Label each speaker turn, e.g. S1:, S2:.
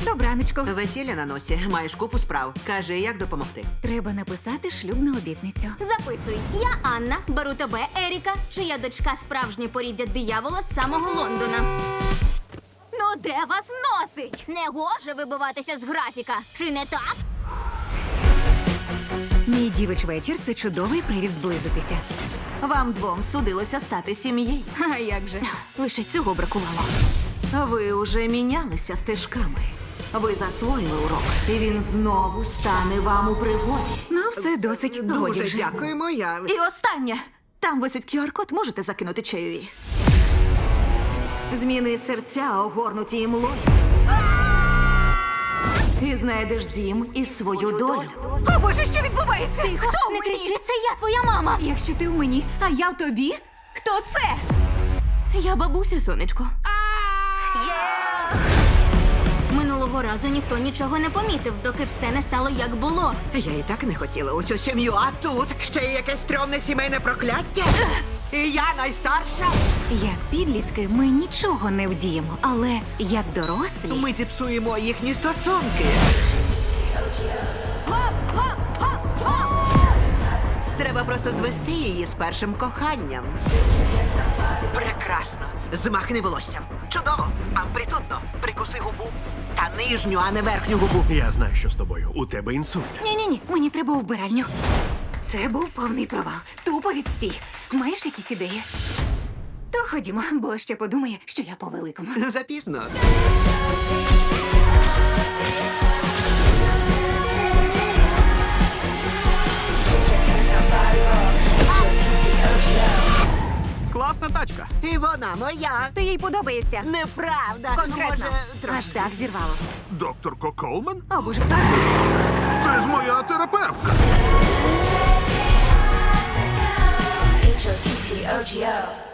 S1: Добраночко.
S2: Весілля на носі, маєш купу справ. Кажи, як допомогти.
S1: Треба написати шлюбну обітницю.
S3: Записуй. Я Анна, беру тебе, Еріка, чия дочка справжнє поріддя диявола з самого Лондона.
S1: Ну де вас носить?
S3: Не гоже вибиватися з графіка. Чи не так?
S1: Мій дівич вечір – це чудовий привід зблизитися.
S4: Вам двом судилося стати сім'єю.
S1: А як же? Лише цього бракувало.
S4: Ви уже мінялися стежками. Ви засвоїли урок, і він знову стане вам у пригоді.
S1: Ну, все досить. Годі
S2: Дуже
S1: вже.
S2: дякуємо, я...
S4: І останнє. Там висить QR-код, можете закинути чайові. Зміни серця, огорнуті імлою. І знайдеш дім і свою долю. О, Боже, що відбувається? Хто
S3: Не кричи, це я, твоя мама.
S1: Якщо ти в мені,
S4: А я в тобі? Хто це?
S1: я бабуся, сонечко.
S3: Минулого разу ніхто нічого не помітив, доки все не стало як було.
S2: Я і так не хотіла у цю сім'ю, а тут ще й якесь стрьомне сімейне прокляття. І я найстарша.
S1: Як підлітки ми нічого не вдіємо, але як дорослі...
S2: Ми зіпсуємо їхні стосунки. Треба просто звести її з першим коханням. Прекрасно. Змахни волоссям. Чудово. Амплітудно. Прикуси губу. Та нижню, а не верхню губу.
S5: Я знаю, що з тобою. У тебе інсульт.
S1: Ні-ні-ні, мені треба у вбиральню. Це був повний провал. Тупо відстій. Маєш якісь ідеї? То ходімо, бо ще подумає, що я по-великому.
S2: Запізно.
S5: Класна тачка.
S2: І вона моя.
S1: Ти їй подобаєшся?
S2: Неправда.
S1: Конкретно.
S2: Може, трошки.
S1: Аж так зірвало.
S6: Докторко Колман?
S1: О, Боже, хто це?
S6: Це ж моя терапевтка.
S7: H-O-T-T-O-G-O